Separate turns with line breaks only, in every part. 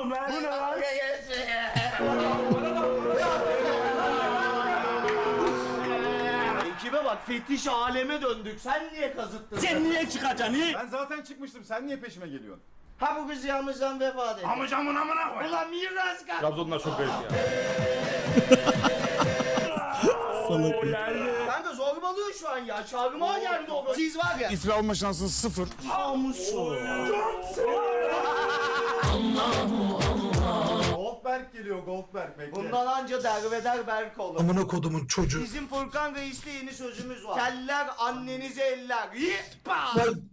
oğlum lan? Bu ne lan? Ekibe bak, fetiş aleme döndük. Sen niye kazıttın? Sen niye çıkacaksın?
Ben zaten çıkmıştım. Sen niye peşime geliyorsun?
Ha bu kız yağmurdan vefat etti.
Amcamın amına koy.
Ulan miras kal.
Trabzonlar çok garip ya.
Salak ya.
Kanka zorbalıyor şu an ya. Çağrıma geldi o. Siz var ya.
İsra olma şansın 0.
Namusu.
Goldberg geliyor Goldberg bekle.
Bundan anca derbeder Berk olur.
Amına kodumun çocuğu.
Bizim Furkan Reis'te yeni sözümüz var. Keller annenizi eller. Yippa.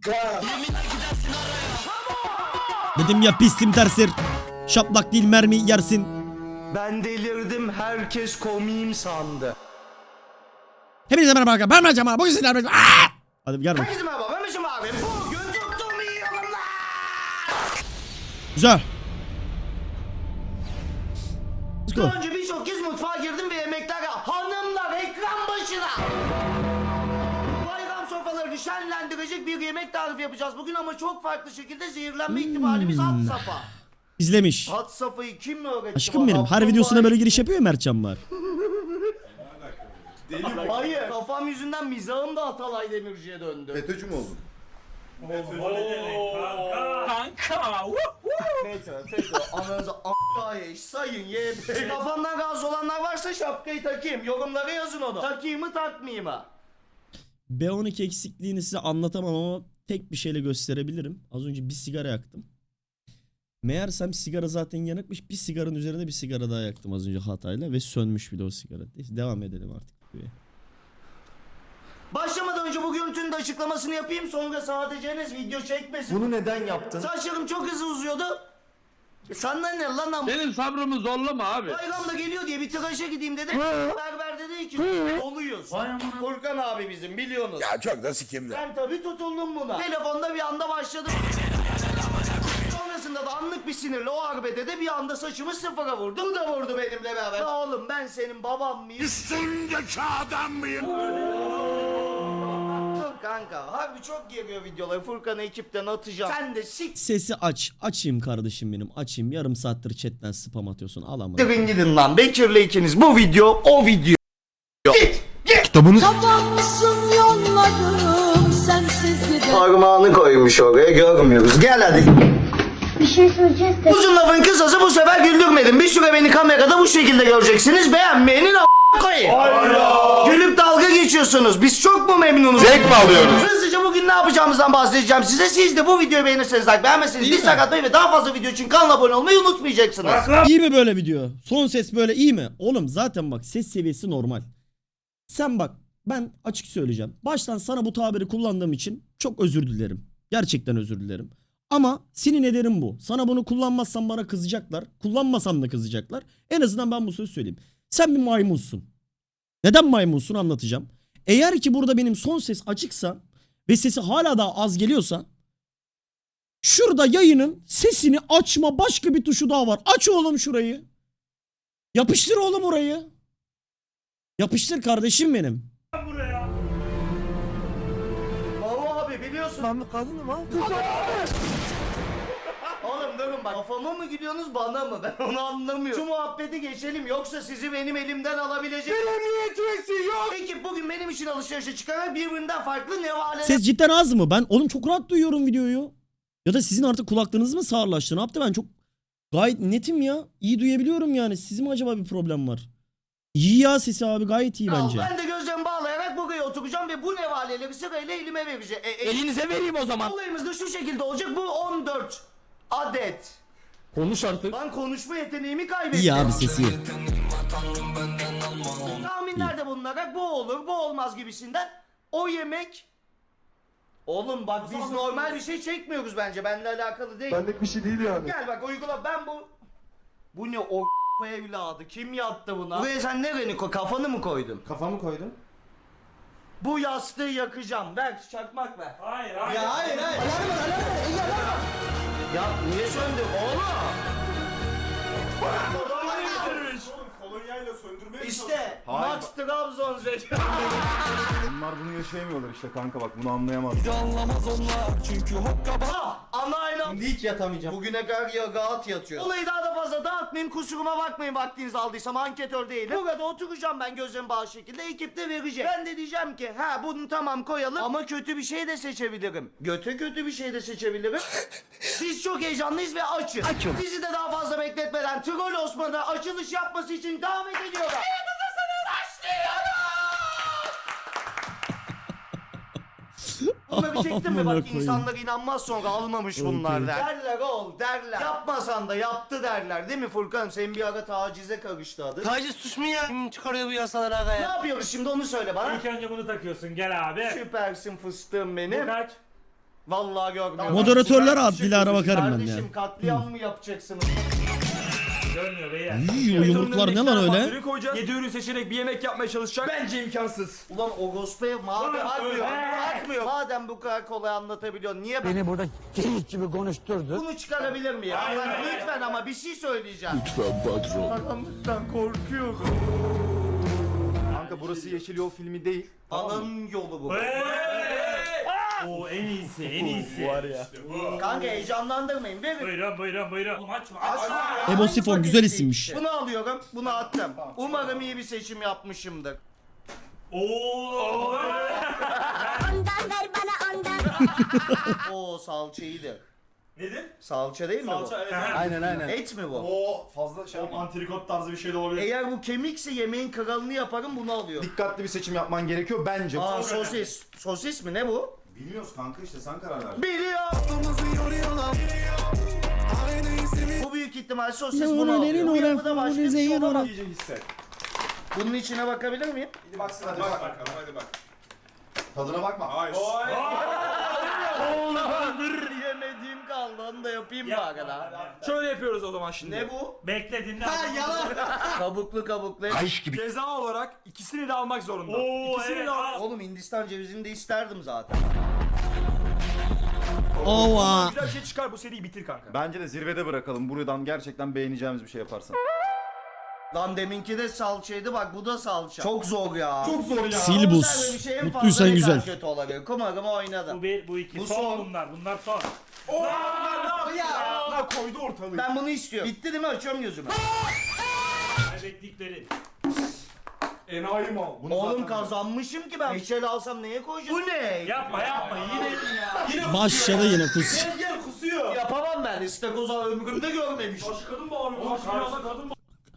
Dedim ya pistim tersir. Şaplak değil mermi yersin.
Ben delirdim, herkes komiyim sandı.
Hepinize merhaba arkadaşlar. Ben Mercan abi. Bugün sizlerle birlikte. Hadi gel bak.
Herkese merhaba, ben Mişim abi. Bugün tuttum iyi yorumlar.
Güzel. Let's go.
Daha önce birçok kez mutfağa girdim ve yemeklere hanımlar ekran başına. Bayram sofralarını şenlendirecek bir yemek tarifi yapacağız bugün ama çok farklı şekilde zehirlenme ihtimalimiz had safa.
İzlemiş.
Had safayı kim öğretti?
Aşkım benim. Her videosuna böyle giriş yapıyor ya Mertcan var.
Hayır, kafam yüzünden mizahım da Atalay Demirci'ye döndü.
FETÖ'cü mü oldun?
FETÖ, ananızı a**ay sayın YB. Kafamdan rahatsız olanlar varsa şapkayı takayım. Yorumlara yazın onu. Takayım mı takmayayım mı?
B12 eksikliğini size anlatamam ama tek bir şeyle gösterebilirim. Az önce bir sigara yaktım. Meğersem sigara zaten yanıkmış. Bir sigaranın üzerine bir sigara daha yaktım az önce hatayla ve sönmüş bile o sigara. Neyse, devam edelim artık.
Başlamadan önce bu görüntünün de açıklamasını yapayım, sonra sadece Enes video çekmesin.
Bunu neden yaptın?
Saçlarım çok hızlı uzuyordu. Senden ne lan?
Benim sabrımı zorlama abi.
Bayram da geliyor diye bir tıraşa gideyim dedi. Berber dedi ki doluyuz. Furkan abi bizim biliyorsunuz.
Ya çok da sikimde.
Ben tabii tutuldum buna. Telefonda bir anda başladım. Sonrasında da anlık bir sinirle o arbede de bir anda saçımı sıfıra vurdu. Bu da vurdu benimle beraber. Ya oğlum ben senin babam mıyım?
Üstündeki adam mıyım?
Dur kanka harbi çok geliyor videoları. Furkan'ı ekipten atacağım. Sen de sik.
Sesi aç. Açayım kardeşim benim. Açayım. Yarım saattir chatten spam atıyorsun. Al ama.
Gidin gidin lan. Bekir'le ikiniz bu video o video. Git.
Kapanmışsın yollarım sensiz gider.
Parmağını koymuş oraya görmüyoruz. Gel hadi.
Bir şey söyleyeceğiz de.
Uzun lafın kısası bu sefer güldürmedim. Bir süre beni kamerada bu şekilde göreceksiniz. Beğenmeyenin koyayım. Gülüp dalga geçiyorsunuz. Biz çok mu memnunuz?
Zevk mi alıyoruz?
Hızlıca bugün ne yapacağımızdan bahsedeceğim size. Siz de bu videoyu beğenirseniz like, beğenmezseniz dislike atmayı ve daha fazla video için kanala abone olmayı unutmayacaksınız.
İyi mi böyle video? Son ses böyle iyi mi? Oğlum zaten bak ses seviyesi normal. Sen bak ben açık söyleyeceğim. Baştan sana bu tabiri kullandığım için çok özür dilerim. Gerçekten özür dilerim. Ama senin ederim bu. Sana bunu kullanmazsam bana kızacaklar. Kullanmasam da kızacaklar. En azından ben bu sözü söyleyeyim. Sen bir maymunsun. Neden maymunsun anlatacağım. Eğer ki burada benim son ses açıksa ve sesi hala daha az geliyorsa şurada yayının sesini açma başka bir tuşu daha var. Aç oğlum şurayı. Yapıştır oğlum orayı. Yapıştır kardeşim benim.
Baba abi biliyorsun.
Ben bir kadınım abi.
Oğlum durun bak. Kafama mı gülüyorsunuz bana mı? Ben onu anlamıyorum. Şu muhabbeti geçelim yoksa sizi benim elimden alabilecek. Benim yok. Peki bugün benim için alışverişe çıkarak birbirinden farklı nevaleler.
Ses cidden az mı? Ben oğlum çok rahat duyuyorum videoyu. Ya da sizin artık kulaklarınız mı sağırlaştı? Ne yaptı? Ben çok gayet netim ya. İyi duyabiliyorum yani. Sizin mi acaba bir problem var? İyi ya sesi abi gayet iyi bence.
Ben de gözlerimi bağlayarak buraya oturacağım ve bu nevaleleri sırayla elime vereceğim.
Elinize vereyim o zaman.
Olayımız da şu şekilde olacak. Bu 14 adet.
Konuş artık.
Ben konuşma yeteneğimi kaybettim.
İyi abi sesi iyi.
Tahminlerde bulunarak bu olur, bu olmaz gibisinden. O yemek... Oğlum bak biz normal bir şey çekmiyoruz bence. Benimle alakalı değil.
Benlik bir şey değil yani.
Gel bak uygula. Ben bu... Bu ne o evladı? Kim yattı buna? Buraya sen nereni koy? Kafanı mı koydun?
Kafamı koydum.
Bu yastığı yakacağım. Ver çakmak ver.
Hayır
Ya hayır. Ya niye söndü oğlum?
Kolonyayla söndürmeye
İşte
Hayır,
Max Trabzon zeki.
Bunlar bunu yaşayamıyorlar işte kanka bak bunu anlayamaz.
Ana aynı Şimdi hiç yatamayacağım. Bugüne kadar ya rahat yatıyorum. Olayı daha da fazla dağıtmayayım. Kusuruma bakmayın vaktinizi aldıysam anketör değilim. Burada oturacağım ben gözüm bağlı şekilde. Ekip de verecek. Ben de diyeceğim ki bunu tamam koyalım ama kötü bir şey de seçebilirim. Göte kötü bir şey de seçebilirim. Biz çok heyecanlıyız ve açız. Bizi de daha fazla bekletmeden Troll Osman'a açılış yapması için davet ediyorum. Bunları çektim mi
Amına
bak
koyayım.
insanlar inanmaz sonra almamış bunlar
Okey.
derler oğul derler. Yapmasan da yaptı derler değil mi Furkan? Senin bir ara tacize karıştı adı.
Taciz suç mu ya? Kim çıkarıyor bu yasaları aga
Ne
ya?
yapıyoruz şimdi onu söyle bana.
İlk önce bunu takıyorsun gel abi.
Süpersin fıstığım benim.
Bu kaç?
Vallahi görmüyorum.
Moderatörler
Süper
ad
bir şey
Dilara
yapıyorsun.
bakarım ben ya.
Kardeşim katliam mı yapacaksınız?
Görmüyor beyler.
İyi, o yumruklar ne lan öyle?
Koyacağız. 7 ürün seçerek bir yemek yapmaya çalışacak. Bence imkansız.
Ulan o gospel madem akmıyor. Madem bu kadar kolay anlatabiliyorsun niye
Beni burada keyif gibi konuşturdu.
bunu çıkarabilir miyim? Lütfen ama bir şey söyleyeceğim. Lütfen patron. Karanlıktan korkuyorum.
Kanka burası Yeşil Yol filmi değil.
Ananın yolu bu.
Oo en iyisi en iyisi.
Var ya.
Kanka heyecanlandırmayın. Verin.
Buyurun. Oğlum açma.
Ebo Sifon güzel isimmiş.
Bunu alıyorum, bunu attım. Umarım iyi bir seçim yapmışımdır.
Oo.
Ondan ver bana ondan.
Oo salça iyidir.
Nedir?
Salça değil mi bu?
Aynen.
Et mi bu?
O fazla şey yapma. Antrikot tarzı bir şey de olabilir.
Eğer bu kemikse yemeğin kralını yaparım bunu alıyorum.
Dikkatli bir seçim yapman gerekiyor bence.
Aa sosis. Sosis mi ne bu?
Bilmiyoruz kanka işte sen karar ver.
Biliyorum. Bu büyük ihtimal sosis bunu alıyor. Bu yapıda başka bir şey olamaz.
İyice hisset.
Bunun içine bakabilir miyim?
Hadi baksın hadi bak.
Hadi bak. Tadına bakma. Hayır.
Yemediğim kaldı onu da yapayım bari da.
Şöyle yapıyoruz o zaman şimdi.
Ne bu?
Bekle dinle.
Kabuklu.
Ceza olarak ikisini de almak zorunda.
Oo,
İkisini
evet,
de al.
al.
Oğlum Hindistan cevizini de isterdim zaten.
Ova.
Güzel bir şey çıkar bu seriyi bitir kanka.
Bence de zirvede bırakalım. Buradan gerçekten beğeneceğimiz bir şey yaparsan.
Lan deminki de salçaydı bak bu da salça. Çok zor ya.
Çok zor ya.
Silbus.
Konserve bir şey en fazla
Mutluysan
ne kadar
güzel.
kötü olabilir. Umarım oynadım.
Bu bir bu iki.
Bu
son,
son.
bunlar son.
Ya koydu ortalığı.
Ben bunu istiyorum. Bitti değil mi? Açıyorum gözümü.
Kaybettikleri.
Enayi mal. Bunu
Oğlum
zaten-
kazanmışım ki ben. Reçel alsam neye koyacağım? Bu ne?
Yapma yine.
Başladı yine kus.
Gel kusuyor.
Yapamam ben. İstakoza ömrümde görmemişim.
Kadın bağırıyor. Kadın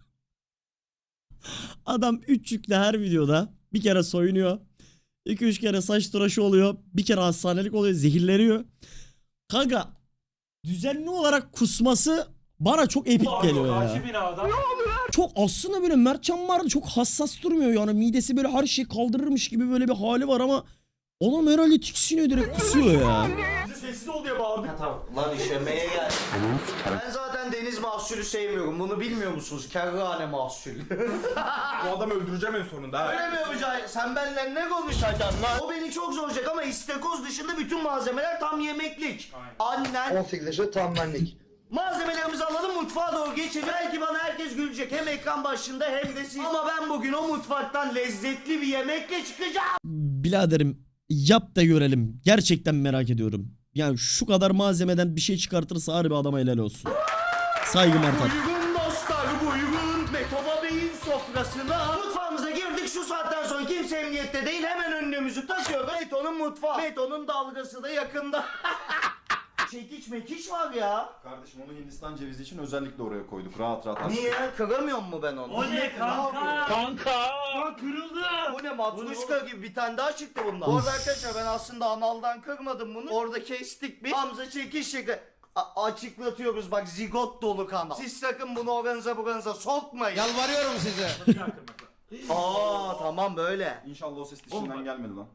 Adam 3 yükle her videoda bir kere soyunuyor. 2-3 kere saç tıraşı oluyor. Bir kere hastanelik oluyor. Zehirleniyor. Kanka düzenli olarak kusması bana çok epik geliyor ya.
Karşı binada.
Çok aslında böyle Mertcan vardı çok hassas durmuyor yani. Midesi böyle her şeyi kaldırırmış gibi böyle bir hali var ama adam herhalde tiksiniyor direkt kusuyor ya.
sessiz ol diye bağırdık.
Lan işemeye gel. Ben zaten deniz mahsulü sevmiyorum. Bunu bilmiyor musunuz? Kerrane mahsulü.
Bu adamı öldüreceğim en sonunda ha.
Öyle mi Öcay? Sen benimle ne konuşacaksın lan? O beni çok zorlayacak ama istakoz dışında bütün malzemeler tam yemeklik. Annen
18 yaşı tam benlik.
malzemelerimizi alalım mutfağa doğru geçelim. Belki bana herkes gülecek hem ekran başında hem de siz. Ama ben bugün o mutfaktan lezzetli bir yemekle çıkacağım.
Biraderim yap da görelim. Gerçekten merak ediyorum. Yani şu kadar malzemeden bir şey çıkartırsa harbi adama helal olsun. Saygı Mertan.
Buyurun dostlar buyurun Metoba Bey'in sofrasına. Mutfağımıza girdik şu saatten sonra kimse emniyette değil hemen önlüğümüzü taşıyoruz. Meto'nun mutfağı. Meto'nun dalgası da yakında. Çekiç mekiç var ya.
Kardeşim onu Hindistan cevizi için özellikle oraya koyduk. Rahat rahat.
Niye? Kıramıyor mu ben onu?
O ne kanka? Kanka. Kırıldı.
Bu ne matruşka gibi bir tane daha çıktı bundan. Bu arada arkadaşlar ben aslında analdan kırmadım bunu. Orada kestik bir. Hamza çekiş şekli. Açıklatıyoruz bak zigot dolu kanal. Siz sakın bunu oranıza sokmayın. Yalvarıyorum size. Aa tamam böyle.
İnşallah o ses dişinden gelmedi lan.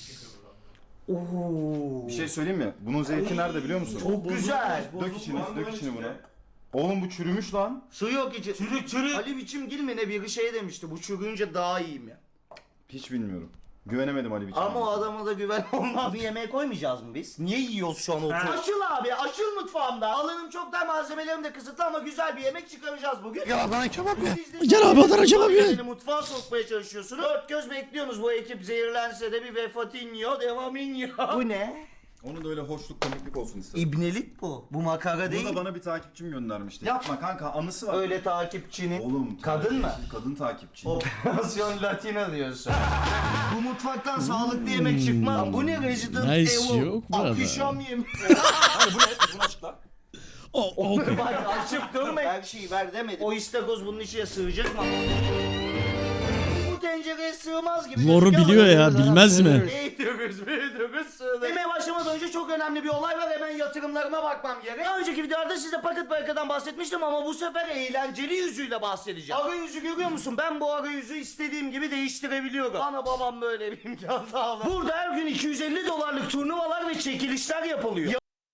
Oo.
Bir şey söyleyeyim mi? Bunun zevki nerede biliyor musun?
Çok güzel.
Dök içini buna. Oğlum bu çürümüş lan.
Su yok içi. Çürük. Ali Biçimgil mi ne biri şey demişti. Bu çürüyünce daha iyiyim ya.
Hiç bilmiyorum. Güvenemedim Ali Biçim'e.
Ama o adama da güven olmaz. Bunu yemeğe koymayacağız mı biz? Niye yiyoruz şu an otur? Açıl abi açıl mutfağımda. Alanım çok dar malzemelerim de kısıtlı ama güzel bir yemek çıkaracağız bugün.
Ya bana kebap ya.
Gel abi Adana kebap ye.
Beni mutfağa sokmaya çalışıyorsunuz. Dört göz bekliyorsunuz bu ekip zehirlense de bir vefatinho devaminho. Bu ne?
Onu da öyle hoşluk komiklik olsun istedim.
İbnelik bu. Bu makara değil.
Bunu da bana bir takipçim göndermişti. Yapma kanka, anısı var.
Öyle takipçinin.
Oğlum.
Kadın mı?
Kadın takipçi.
Operasyon Latina diyorsun. Bu mutfaktan sağlıklı yemek çıkmaz. Bu ne Resident
Nice
Evil?
yok burada.
Akşam yemeği.
Hayır bu ne? Bunu açıkla.
O
Bak açıp durma. Her şeyi ver demedim. O istakoz bunun içine sığacak mı? Bu tencereye sığmaz gibi.
Lore'u
gözüküyor
biliyor
ama-
ya, bilmez mi?
Büyüdüğümüz sığdı. Yemeğe başlamadan önce çok önemli bir olay var. Hemen yatırımlarıma bakmam gerek. Daha önceki videolarda size paket barakadan bahsetmiştim ama bu sefer eğlenceli yüzüyle bahsedeceğim. Arayüzü görüyor musun? Ben bu arayüzü istediğim gibi değiştirebiliyorum. Ana babam böyle bir imkan sağlar. Burada her gün 250 dolarlık turnuvalar ve çekilişler yapılıyor.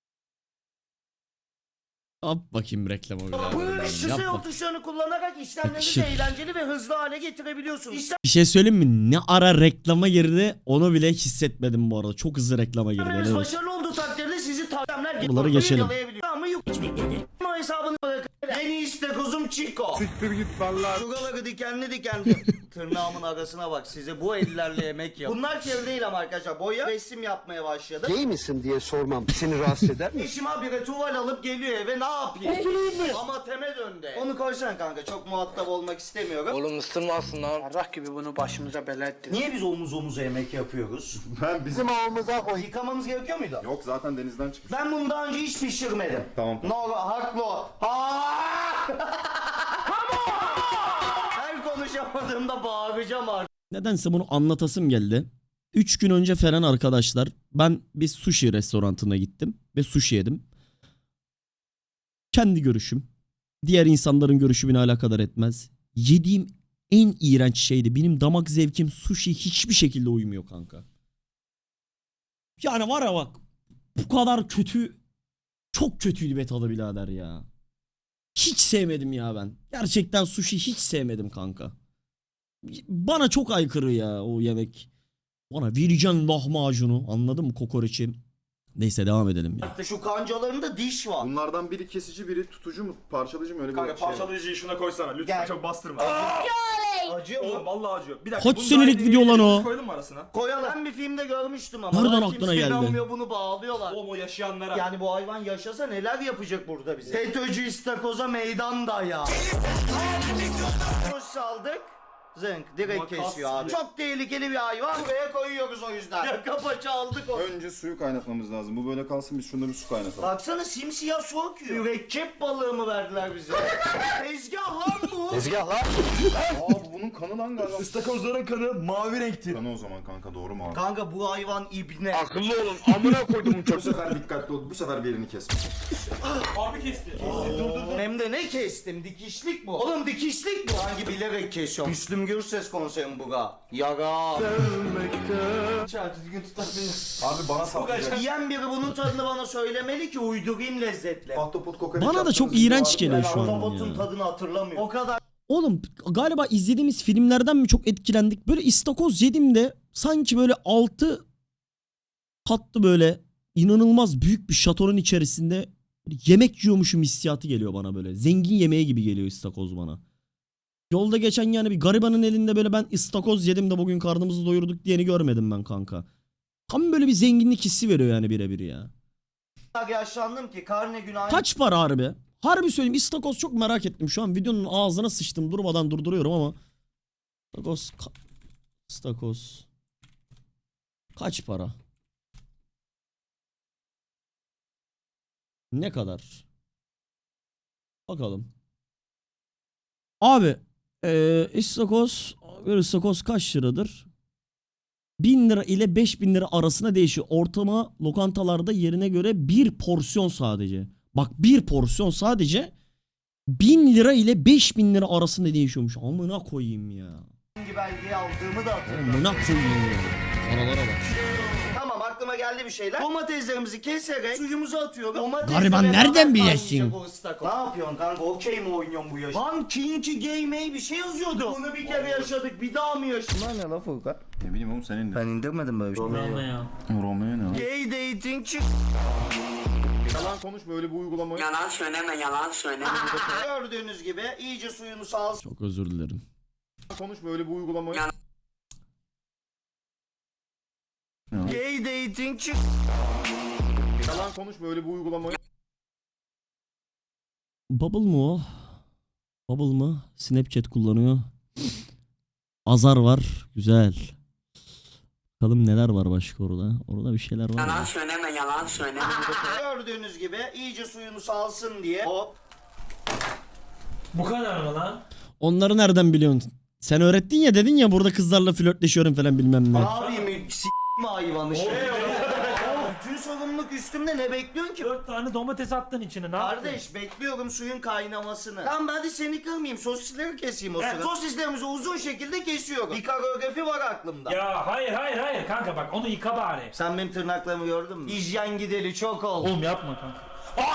Yap bakayım reklamı bir daha.
Bu
Yap
şişe
bak.
tuşlarını kullanarak işlemlerinizi
Yakışır.
eğlenceli ve hızlı hale getirebiliyorsunuz.
Bir şey söyleyeyim mi? Ne ara reklama girdi onu bile hissetmedim bu arada. Çok hızlı reklama girdi.
İşlemleriniz
helal olsun.
başarılı olduğu takdirde sizi tavsiyeler
Bunları geçelim.
Ama yok. Ama hesabını bırakın. Yeni istakozum Chico.
Siktir git vallahi.
Şuraları dikenli dikenli. Tırnağımın arasına bak, size bu ellerle yemek yap. Bunlar kere değil ama arkadaşlar, boya resim yapmaya başladı.
Gay misin diye sormam seni rahatsız eder mi?
Eşim habire tuval alıp geliyor eve, ne yapayım? Oturayım mı? Ama teme döndü. Onu koysana kanka, çok muhatap olmak istemiyorum.
Oğlum ısırmasın lan. Allah gibi bunu başımıza bela ettin.
Niye biz omuz omuza yemek yapıyoruz?
Ben bizim...
Ağımıza koy.
Yıkamamız gerekiyor muydu?
Yok zaten denizden çıkmış.
Ben bunu daha önce hiç pişirmedim.
Tamam.
No, haklı o. Her konuşamadığımda bağıracağım artık.
Nedense bunu anlatasım geldi. 3 gün önce falan arkadaşlar ben bir sushi restoranına gittim ve sushi yedim. Kendi görüşüm. Diğer insanların görüşü beni alakadar etmez. Yediğim en iğrenç şeydi. Benim damak zevkim sushi hiçbir şekilde uymuyor kanka. Yani var ya bak, bu kadar kötü, çok kötüydü be tadı birader ya. Hiç sevmedim ya ben. Gerçekten sushi hiç sevmedim kanka. Bana çok aykırı ya o yemek. Bana vereceksin lahmacunu, anladın mı, kokoreçi. Neyse devam edelim ya.
Şu kancalarında diş var.
Bunlardan biri kesici, biri tutucu mu, parçalıcı mı, öyle bir
Kanka
şey var.
parçalayıcıyı şuna koysana lütfen,
Gel.
çok bastırma.
Acıyor
Oğlum
mu?
vallahi acıyor. Bir dakika.
Kaç
bunu
senelik
daha
video lan
yeni
o?
Koydun mu arasına?
Koyalım. Ben bir filmde görmüştüm ama.
Nereden
Daha
aklına
kimse
geldi?
inanmıyor, bunu bağlıyorlar.
Oğlum o yaşayanlara.
Yani bu hayvan yaşasa neler yapacak burada bize? FETÖ'cü istakoza meydan daya. Kuş saldık. Zınk direkt
Makas
kesiyor abi.
gibi.
Çok tehlikeli bir hayvan. Buraya koyuyoruz o yüzden. Yaka paça aldık onu.
Önce suyu kaynatmamız lazım. Bu böyle kalsın, biz şunda bir su kaynatalım.
Baksana simsiyah su akıyor. Mürekkep balığı mı verdiler bize? Tezgah lan bu.
Tezgah lan.
Aa bu bunun kanı lan galiba.
İstakozların kanı mavi renkti.
Kanı o zaman kanka, doğru mu abi?
Kanka bu hayvan ibne.
Akıllı olun amına koydum
Bu sefer dikkatli ol. Bu sefer bir yerini kesme.
Harbi kesti.
Hem de ne kestim? Dikişlik bu. Oğlum dikişlik bu. Hangi bilerek kesiyorum. Müslüm Gürses konseri bu ga. Yaga. Sevmekte. Çarpı düzgün tutabilir.
Abi bana saplayacak.
Yiyen biri bunun tadını bana söylemeli ki uydurayım lezzetle.
Ahtapot kokoreç
Bana da
yaptığınız
çok
video
iğrenç
vardı.
geliyor
Ben
şu an
ahtapotun
ya.
tadını hatırlamıyorum. O kadar
Oğlum galiba izlediğimiz filmlerden mi çok etkilendik? Böyle istakoz yediğimde sanki böyle 6 katlı böyle inanılmaz büyük bir şatonun içerisinde yemek yiyormuşum hissiyatı geliyor bana böyle. Zengin yemeği gibi geliyor istakoz bana. Yolda geçen yani bir garibanın elinde böyle ben istakoz yedim de bugün karnımızı doyurduk diyeni görmedim ben kanka. Tam böyle bir zenginlik hissi veriyor yani birebir ya.
yaşlandım ki karne günahı.
Kaç para harbi? Harbi söyleyeyim, istakoz çok merak ettim. Şu an videonun ağzına sıçtım, durmadan durduruyorum ama. İstakoz. Kaç para? Ne kadar? Bakalım. Abi istakoz, bir istakoz kaç liradır? 1000 lira ile 5000 lira arasında değişiyor. Ortama lokantalarda yerine göre bir porsiyon sadece. Bak bir porsiyon sadece 1000 lira ile 5000 lira arasında değişiyormuş. Amına koyayım ya.
Hangi belgeyi aldığımı da hatırlamıyorum.
Amına koyayım ya. Paralara bak.
Tamam, aklıma geldi bir şeyler. Domateslerimizi keserek suyumuzu atıyoruz.
Gariban nereden bilesin?
Ne yapıyorsun kanka? Okey mi oynuyorsun bu yaş? Lan Kinky Game bir şey yazıyordu. Bunu bir kere yaşadık, bir daha mı yaşadık? Bunlar ne la Furkan?
Ne bileyim oğlum, senin de.
Ben indirmedim böyle bir şey.
Romeo ne?
Gay dating çık.
Yalan konuş, böyle bir uygulama.
Yalan söyleme yalan söyleme.
Gördüğünüz gibi iyice suyunu salsın.
Çok özür dilerim.
Konuş, böyle bir uygulama.
Gay reyting çık.
Yalan konuş böyle bir uygulamayı.
Bubble mu o? Bubble mı? Snapchat kullanıyor. Azar var. Güzel. Bakalım neler var başka orada. Orada bir şeyler var.
Yalan
ya.
söyleme, yalan söyleme.
Gördüğünüz gibi iyice suyunu salsın diye. Hop.
Bu kadar mı lan?
Onları nereden biliyorsun? Sen öğrettin ya, dedin ya burada kızlarla flörtleşiyorum falan bilmem ne.
Abi mi s***mi hayvanı şey. Bütün sorumluluk üstümde, ne bekliyorsun ki?
4 tane domates attın içine, ne yaptın?
Kardeş bekliyorum suyun kaynamasını. Tamam hadi seni kırmayayım, sosisleri keseyim o sırada. Sosislerimizi uzun şekilde kesiyorum. Bir koreografi var aklımda.
Ya hayır kanka, bak onu yıka bari.
Sen benim tırnaklarımı gördün mü? Hijyen gideli çok oldu.
Oğlum yapma kanka.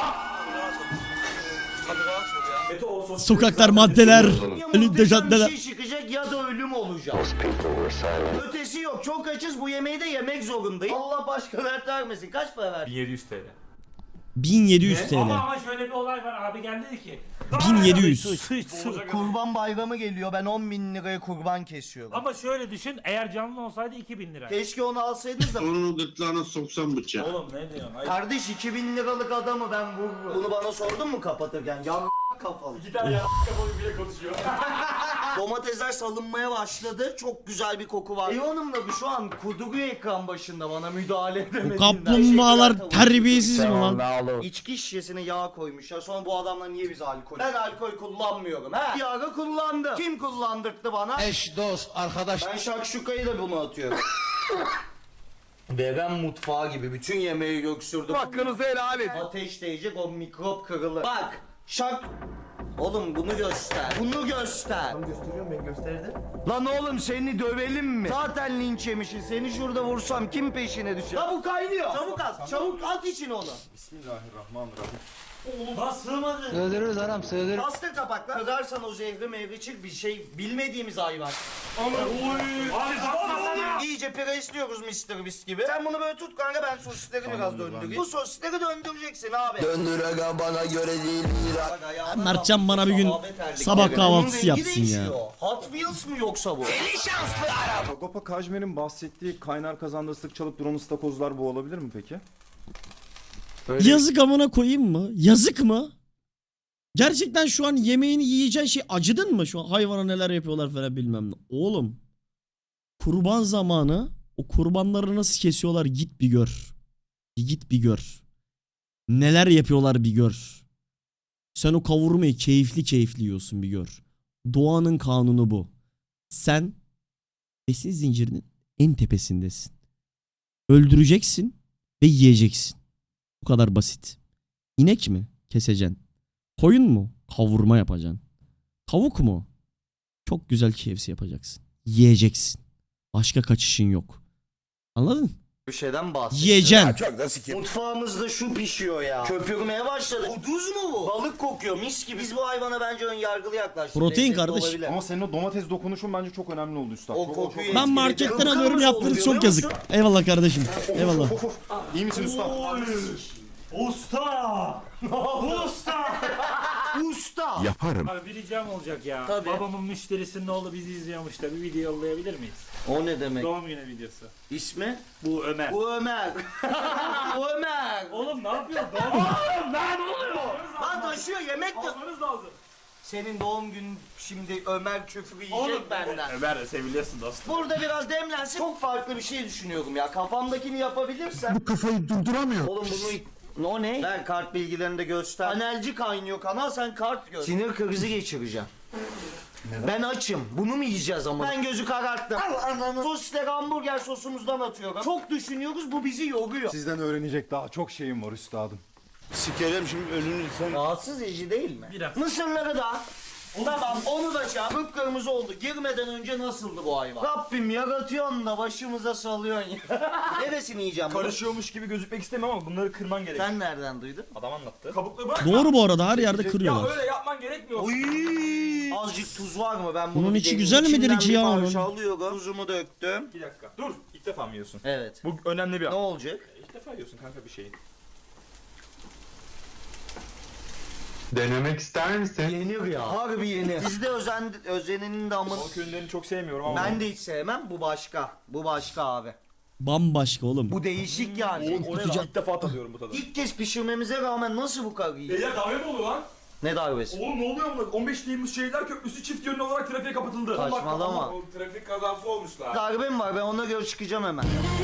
Sokaklar, maddeler,
Ya
elinde
muhteşem bir
caddeler.
şey çıkacak ya da ölüm olacak. Ötesi yok, çok açız, bu yemeği de yemek zorundayım. Allah başka dert vermesin. Kaç para verdin?
1700 TL.
1700 TL.
Ama şöyle bir olay var, abi geldi dedi ki.
1700.
Kurban bayramı geliyor, ben 10.000 liraya kurban kesiyorum.
Ama şöyle düşün, eğer canlı olsaydı 2000 lira.
Keşke onu alsaydınız da.
Onun gırtlağına soksam bıçağı.
Oğlum ne diyorsun? Hayır.
Kardeş 2000 liralık adamı ben vururum. Bunu bana sordun mu kapatırken? Ya kafalı.
Bir tane kafalı bile konuşuyor.
Domatesler salınmaya başladı. Çok güzel bir koku var. Ev hanım da şu an kuduruyor ekran başında bana müdahale edemediğinden.
Bu kaplumbağalar terbiyesiz mi lan?
İçki şişesine yağ koymuşlar. Sonra bu adamlar niye bize alkol? Ben alkol kullanmıyorum. Ha? Bir ara kullandım. Kim kullandırdı bana?
Eş, dost, arkadaş.
Ben şakşukayı da bunu atıyorum. Vegan mutfağı gibi bütün yemeği göksürdüm.
Hakkınızı helal edin.
Ateş değecek, o mikrop kırılır. Bak şak... Oğlum bunu göster. Bunu göster. Tamam gösteriyorum, ben gösterdim. Lan oğlum seni dövelim mi? Zaten linç yemişsin. Seni şurada vursam kim peşine düşer? La bu kaynıyor. Çabuk at. Çabuk at için onu.
Bismillahirrahmanirrahim.
Lan sığmadı.
Sığdırırız anam, sığdırırız.
Bastır kapakla. Kırarsan o zehri meyve çık, bir şey bilmediğimiz hayvan.
Abi bakmasana.
İyice presliyoruz Mr. Beast gibi. Sen bunu böyle tut kanka, ben sosisleri biraz döndüreyim. Bu sosisleri döndüreceksin abi.
Döndür aga, bana göre değil.
Bak ayağına
Mertcan bana bir gün
Sahabe terlikleri.
sabah kahvaltısı
Onun rengi
yapsın ya.
değişiyor. Hot Wheels mi yoksa bu?
Sagopa Kajmer'in bahsettiği kaynar kazanda ıslık çalıp duran ıstakozlar bu olabilir mi peki?
Yazık amına koyayım mı? Yazık mı? Gerçekten şu an yemeğini yiyeceğin şey, acıdın mı şu an? Hayvana neler yapıyorlar falan bilmem ne. Oğlum kurban zamanı o kurbanları nasıl kesiyorlar, git bir gör. Git bir gör. Neler yapıyorlar bir gör. Sen o kavurmayı keyifli keyifli yiyorsun, bir gör. Doğanın kanunu bu. Sen besin zincirinin en tepesindesin. Öldüreceksin ve yiyeceksin. Bu kadar basit. İnek mi? Keseceksin. Koyun mu? Kavurma yapacaksın. Tavuk mu? Çok güzel KFC yapacaksın. Yiyeceksin. Başka kaçışın yok. Anladın?
Bir şeyden bahsediyor.
Yiyeceksin.
Çok da sikim.
Mutfağımızda şu pişiyor ya. Köpürmeye başladı. Kuduz mu bu? Balık kokuyor mis gibi. Biz bu hayvana bence ön yargılı yaklaştık.
Protein
Lezzetli
kardeş.
olabilir.
Ama senin o domates dokunuşun bence çok önemli oldu üstad.
O
Çok-
kokuyu
çok-
Ben marketten
etkiledi.
alıyorum,
Kırmızı
yaptığınız
oldu,
çok
görüyor
yazık.
musun?
Eyvallah kardeşim. Eyvallah.
İyi misin usta?
Usta! Usta!
Usta.
Yaparım.
Abi bir ricam olacak ya.
Tabii.
Babamın müşterisinin oğlu bizi izliyormuş da bir video yollayabilir miyiz?
O ne demek?
Doğum günü videosu.
İsmi?
Bu Ömer.
Bu Ömer. Bu Ömer.
Oğlum ne yapıyorsun? Oğlum ne oluyor?
Lan taşıyor yemek de.
Almanız lazım.
Senin doğum günün şimdi Ömer küfrü yiyecek benden.
Ömer de seviliyorsun dostum.
Burada biraz demlensin. Çok farklı bir şey düşünüyorum ya. Kafamdakini yapabilirsem. Bu
Kafayı durduramıyor.
Oğlum bunu... O ne? Ver kart bilgilerini de göster. Panelci kaynıyor kanal, sen kart gör. Sinir krizi geçireceğim. Ben açım. Bunu mu yiyeceğiz ama? Ben gözü kararttım. Sosisleri hamburger sosumuzdan atıyorum. Çok düşünüyoruz, bu bizi yoruyor.
Sizden öğrenecek daha çok şeyim var üstadım.
Sikerim şimdi önünü sen.
Rahatsız edici değil mi?
Biraz.
Mısırları da. Tamam onu da çağır. Kıpkırmızı oldu. Girmeden önce nasıldı bu hayvan? Rabbim yaratıyorsun da başımıza salıyorsun ya. Neresini yiyeceğim bunu?
Karışıyormuş gibi gözükmek istemem ama bunları kırman gerek.
Sen nereden duydun?
Adam anlattı. Kabukları bırak.
Doğru bu arada, her yerde
Ya
kırıyorlar.
öyle yapman gerekmiyor.
Oy! Azıcık tuz var mı? Ben bunu
Bunun
bir
içi
deneyeyim.
güzel midir
İçinden
ki
bir
ya
parça
onun?
alıyorum. Tuzumu döktüm.
Bir dakika. Dur. İlk defa mı yiyorsun?
Evet.
Bu önemli bir
Ne
an.
olacak?
İlk defa yiyorsun kanka bir şeyi.
Denemek ister misin?
Yenir ya. Harbi yenir. Bizde özenenin de ama...
Balık ürünlerini çok sevmiyorum ama.
Ben de hiç sevmem. Bu başka. Bu başka abi.
Bambaşka oğlum.
Bu değişik yani.
Oraya ilk defa tadıyorum bu tadı.
İlk kez pişirmemize rağmen nasıl bu kadar iyi?
Ya kahve mi oluyor lan?
Ne darbesi?
Oğlum ne oluyor bunlar? 15 Temmuz Şehirler Köprüsü çift yönlü olarak trafiğe kapatıldı.
Saçmalama.
Trafik kazası olmuşlar.
Darbe mi var? Ben ona göre çıkacağım hemen.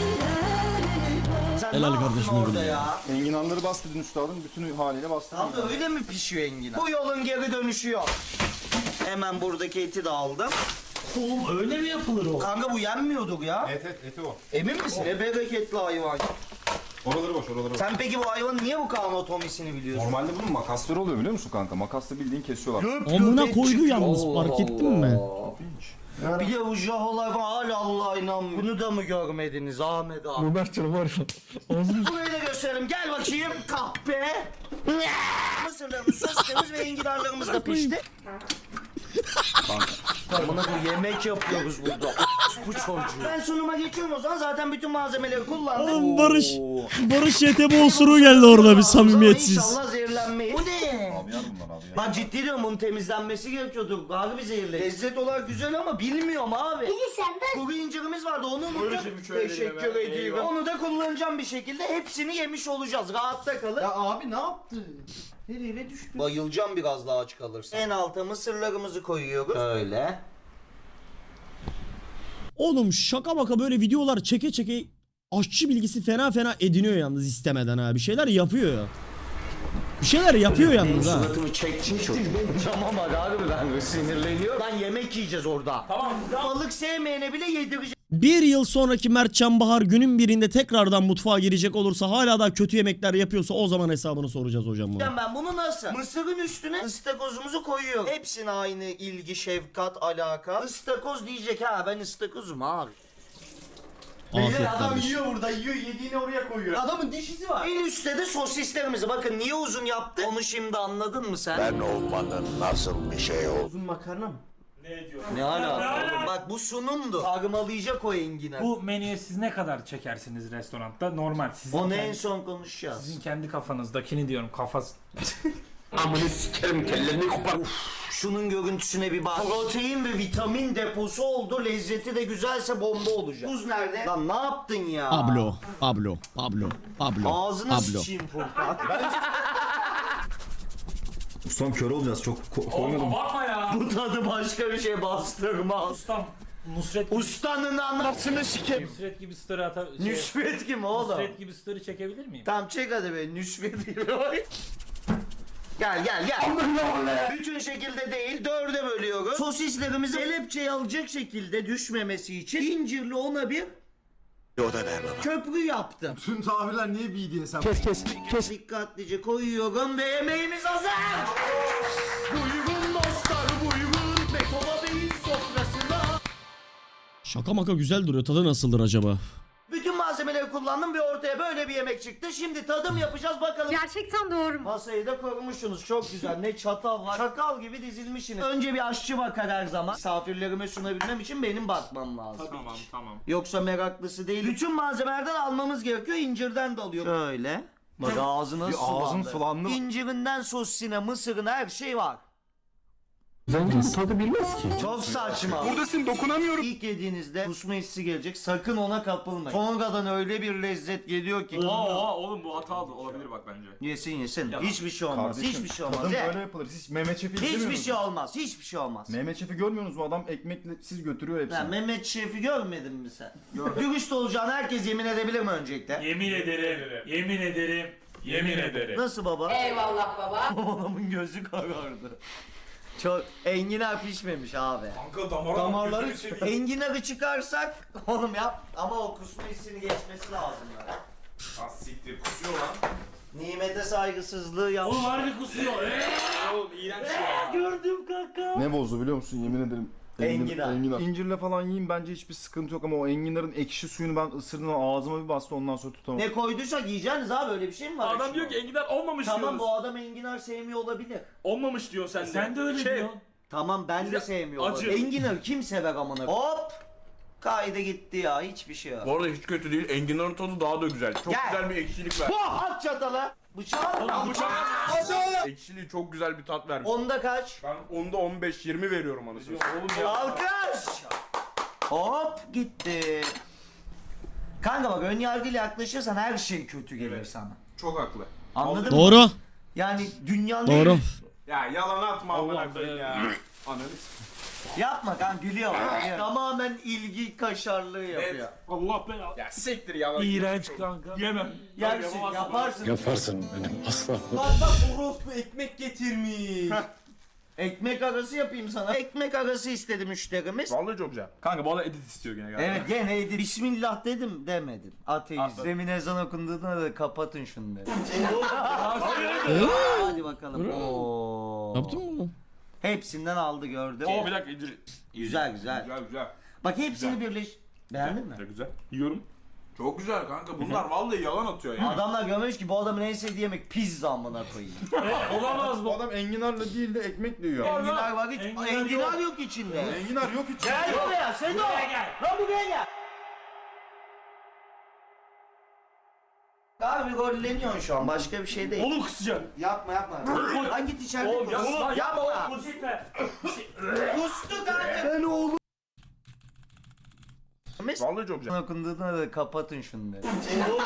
Sen
Helal
ne yaptın
kardeşim
orada
benim
ya?
Enginarları bastırdın üstadım. Bütün haliyle bastırdın.
Abi öyle mi pişiyor enginar? Bu yolun geri dönüşü yok. Hemen buradaki eti de aldım.
Oğlum öyle mi yapılır o?
Kanka bu yenmiyordur ya.
Eti o.
Emin misin? Ne bereketli hayvan.
Oraları boş, oraları boş.
Sen peki bu hayvanın niye bu kadar anatomisini biliyorsun?
Normalde bunun makasları oluyor biliyor musun kanka? Makasla bildiğin kesiyorlar.
Amına koydu yalnız, fark ettin mi?
Bir de bu jaholar falan hala Allah'a inanmıyor. Bunu da mı görmediniz Ahmet abi?
Robert'cığım var ya.
Burayı da gösterelim. Gel bakayım. Kahpe. Mısırlarımız, soslarımız ve enginarlarımız da pişti. Bana bu yemek yapıyoruz burada. Bu çocuğu. Ben sunuma geçiyorum o zaman. Zaten bütün malzemeleri kullandım.
Oğlum Barış YTB osuruğu geldi orada bir samimiyetsiz.
İnşallah zehirlenmeyiz. Bu ne?
Abi yer bunlar abi ya.
Ben ciddi diyorum bunun temizlenmesi gerekiyordu. Abi bir zehirli. Lezzet olarak güzel ama bilmiyorum abi.
Sen ben
Kuru incirimiz vardı onu unuttum. Teşekkür ediyorum. Onu da kullanacağım bir şekilde. Hepsini yemiş olacağız. Rahatta kalın. Ya abi ne yaptı? Nereye düştü? Bayılacağım biraz daha aç kalırsın. En alta mısırlarımızı koyuyoruz. Öyle.
Oğlum şaka maka böyle videolar çeke çeke aşçı bilgisi fena fena ediniyor yalnız istemeden ha. Bir şeyler yapıyor ya. Bir şeyler yapıyor yalnız ha.
Suratımı çektin çok. Tamam abi ben sinirleniyorum. Lan yemek yiyeceğiz orada.
Tamam.
Balık sevmeyene bile yedireceğim.
Bir yıl sonraki Mertcan Bahar günün birinde tekrardan mutfağa girecek olursa hala daha kötü yemekler yapıyorsa o zaman hesabını soracağız hocam buna.
Ben bunu nasıl? Mısırın üstüne ıstakozumuzu koyuyorum. Hepsine aynı ilgi, şefkat, alaka. Istakoz diyecek ha ben ıstakozum abi.
Afiyet
Adam
kardeşim.
yiyor burada, yiyor yediğini oraya koyuyor. Adamın dişisi var. En üstte de sosislerimizi. Bakın niye uzun yaptı? Onu şimdi anladın mı sen?
Ben olmanın nasıl bir şey olduğunu.
Uzun makarna mı?
Ne diyor?
Ne alaka? Bak bu sunumdu. Sarmalayacak o enginar.
Bu menüye siz ne kadar çekersiniz restoranda? Normal. Sizin
Onu
kendi,
en son konuşacağız.
sizin kendi kafanızdakini diyorum kafası.
Amını sikerim kellerini kopar.
Şunun görüntüsüne bir bak. Protein ve vitamin deposu oldu. Lezzeti de güzelse bomba olacak. Tuz nerede? Lan ne yaptın ya?
Pablo.
Ağzına sıçayım Furkan.
Ustam kör olacağız çok koymadım.
Bakma ya.
Bu tadı başka bir şey bastırmaz.
Ustam Nusret
Ustanın anasını sikerim.
Nusret gibi story
Nüşvet kim oğlum?
Nusret gibi story çekebilir miyim?
Tamam çek hadi be nüşvet gibi. Gel. Bütün şekilde değil dörde bölüyoruz. Sosislerimizi kelepçeye alacak şekilde düşmemesi için incirli ona bir köprü yaptım.
Tüm tabirler niye BDSM?
Kes.
Dikkatlice koyuyorum ve yemeğimiz hazır. Buyurun dostlar buyurun Bekola Bey'in sofrasına.
Şaka maka güzel duruyor. Tadı nasıldır acaba?
Bütün malzemeleri kullandım ve ortaya böyle bir yemek çıktı. Şimdi tadım yapacağız bakalım.
gerçekten doğru mu?
Masayı da korumuşsunuz çok güzel. Ne çatal var. Çakal gibi dizilmişsiniz. Önce bir aşçı bakar her zaman. Misafirlerime sunabilmem için benim bakmam lazım.
Tamam.
Yoksa meraklısı değil. Bütün malzemelerden almamız gerekiyor. İncirden de alıyorum. Şöyle. Bak ağzına
Bir ağzın sulandı.
İncirinden sosisine, mısırına her şey var. Çok saçma.
Buradasın dokunamıyorum.
İlk yediğinizde kusma hissi gelecek. Sakın ona kapılmayın. Sonradan öyle bir lezzet geliyor ki.
Oğlum bu hata olabilir bak bence.
Yesin. Hiçbir şey olmaz.
Kardeşim,
Hiçbir şey olmaz.
tadım
Ye.
böyle yapılır. Siz Mehmet Şef'i izlemiyor
Hiçbir
musunuz?
şey olmaz. Hiçbir şey olmaz.
Mehmet Şef'i görmüyorsunuz mu? Adam ekmekle siz götürüyor hepsini.
Ben Mehmet Şef'i görmedin mi sen? Dürüst olacağını herkes yemin edebilir mi öncelikle?
Yemin ederim.
Nasıl baba?
Eyvallah baba.
Babamın gözü karardı. Çok enginar pişmemiş abi.
Kanka
Damarları enginarı çıkarsak oğlum yap ama o kusma hissini geçmesi lazım ya.
Siktir kusuyor lan.
Nimete saygısızlığı yap.
Oğlum harbi kusuyor. Oğlum iğrenç ya.
Gördüm kanka.
Ne bozdu biliyor musun? Yemin ederim.
Enginar.
İncirle falan yiyin bence hiçbir sıkıntı yok ama o enginarın ekşi suyunu ben ısırdım ağzıma bir bastı ondan sonra tutamadım.
Ne koyduysak yiyeceğiniz abi öyle bir şey mi var?
Adam diyor ki enginar olmamış
tamam
diyoruz.
bu adam enginar sevmiyor olabilir.
Olmamış diyor sen de.
Sen de öyle diyorsun.
Tamam ben de
Bize
sevmiyor
acı.
olabilir. Enginar kim sever amına? Hop! Kaydı gitti ya hiçbir şey yok.
Bu arada hiç kötü değil. Enginarın tadı daha da güzel. Çok
Gel.
güzel bir ekşilik ver.
At çatala. Bıçağı.
Ekşiliği çok güzel bir tat vermiş.
Onda kaç?
Ben onda 15-20 veriyorum anasını.
Alkış! Hop gitti. Kanka bak ön yargıyla yaklaşırsan her şey kötü gelir sana.
Çok haklı.
Anladın mı?
Doğru.
Yani dünyanın
Doğru.
Ya yalan atma amına koyayım ya. Ananı
Yapma kanka gülüyor. Tamamen ilgi kaşarlığı yapıyor.
Allah belanı.
ya siktir yalan.
İğrenç kanka. Yemem.
Yersin yaparsın.
Yaparsın benim asla.
Bak orospu ekmek getirmiş. Ekmek arası yapayım sana. Ekmek arası istedi müşterimiz.
Vallahi çok güzel. Kanka bu arada edit istiyor gene galiba.
Evet gene edin. Bismillah dedim demedin. Ateist. Demin ezan okunduğunda da kapatın şunu dedi. Hadi bakalım. Oo.
Yaptın mı bunu?
Hepsinden aldı gördüm.
Oo bir dakika İdris.
Güzel güzel.
Güzel güzel.
Bak hepsini birleş. Beğendin mi?
Güzel. Yiyorum. Çok güzel kanka. Bunlar vallahi yalan atıyor ya.
Adamlar görmüş ki bu adamın en sevdiği yemek pizza amına koyayım.
Olamaz
Bu
bu.
adam enginarla değil de ekmekle yiyor.
Enginar var hiç.
Enginar
Enginar yok içinde.
Enginar yok hiç.
Gel buraya Sedo. Lan buraya gel. Abi golleniyorsun şu an başka bir şey değil.
Oğlum kısacaksın.
Yapma yapma. Hangi içeride
Oğlum
kus?
yapma.
Yapma.
Oğlum gitme.
Kustu kanka. Ben oğlum.
Vallahi çok güzel.
Okunduğunda da kapatın şunu dedi.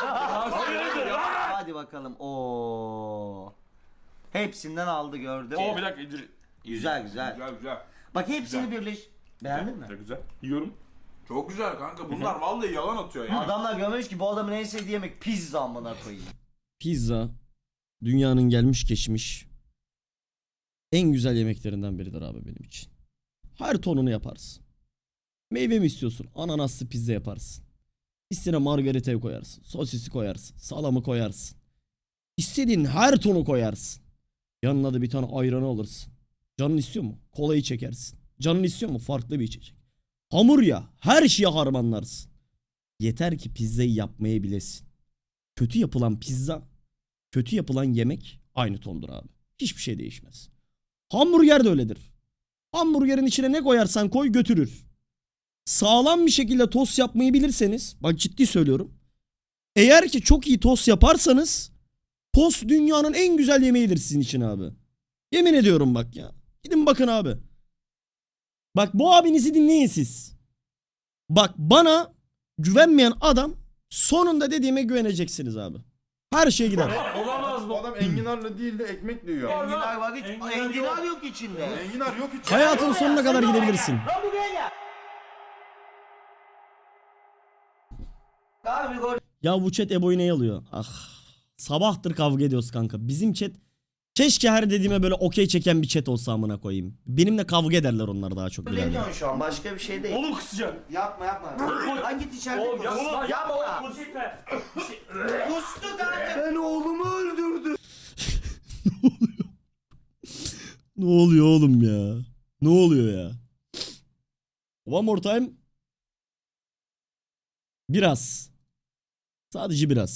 Hadi bakalım. Oo. Hepsinden aldı gördüm.
Oo bir dakika İdris.
Güzel güzel.
Güzel güzel.
Bak hepsini birleş. Beğendin mi?
Güzel. Yiyorum. Çok güzel kanka. Bunlar vallahi yalan atıyor ya.
Adamlar görmüş ki bu adamın en sevdiği yemek pizza amına koyayım.
Pizza dünyanın gelmiş geçmiş en güzel yemeklerinden biridir abi benim için. Her tonunu yaparsın. Meyve mi istiyorsun? Ananaslı pizza yaparsın. İstediğine margaritayı koyarsın. Sosisi koyarsın. Salamı koyarsın. İstediğin her tonu koyarsın. Yanına da bir tane ayranı alırsın. Canın istiyor mu? Kolayı çekersin. Canın istiyor mu? Farklı bir içecek. Hamur ya. Her şeye harmanlarsın. Yeter ki pizzayı yapmayı bilesin. Kötü yapılan pizza, kötü yapılan yemek aynı tondur abi. Hiçbir şey değişmez. Hamburger de öyledir. Hamburgerin içine ne koyarsan koy götürür. Sağlam bir şekilde tost yapmayı bilirseniz, bak ciddi söylüyorum. Eğer ki çok iyi tost yaparsanız, tost dünyanın en güzel yemeğidir sizin için abi. Yemin ediyorum bak ya. Gidin bakın abi. Bak bu abinizi dinleyin siz. Bak bana güvenmeyen adam sonunda dediğime güveneceksiniz abi. Her şey gider.
Olamaz
Bu
bu.
adam enginarla değil de ekmekle yiyor.
Enginar var hiç.
Enginar
Enginar yok içinde.
Enginar yok hiç.
Hayatın sonuna kadar gidebilirsin.
Lan buraya gel. Abi gol.
Ya bu chat Ebo'yu ne alıyor? Ah. Sabahtır kavga ediyoruz kanka. Bizim chat keşke her dediğime böyle okey çeken bir chat olsa amına koyayım. Benimle kavga ederler onlar daha çok birader.
Golleniyorsun şu an başka bir şey değil.
Oğlum kısacaksın.
Yapma yapma. Hangi içeride
Oğlum
kus?
yapma.
Yapma.
Oğlum gitme.
Kustu kanka. Ben oğlumu öldürdüm.
Ne oluyor oğlum ya? Ne oluyor ya? One more time. Biraz. Sadece biraz.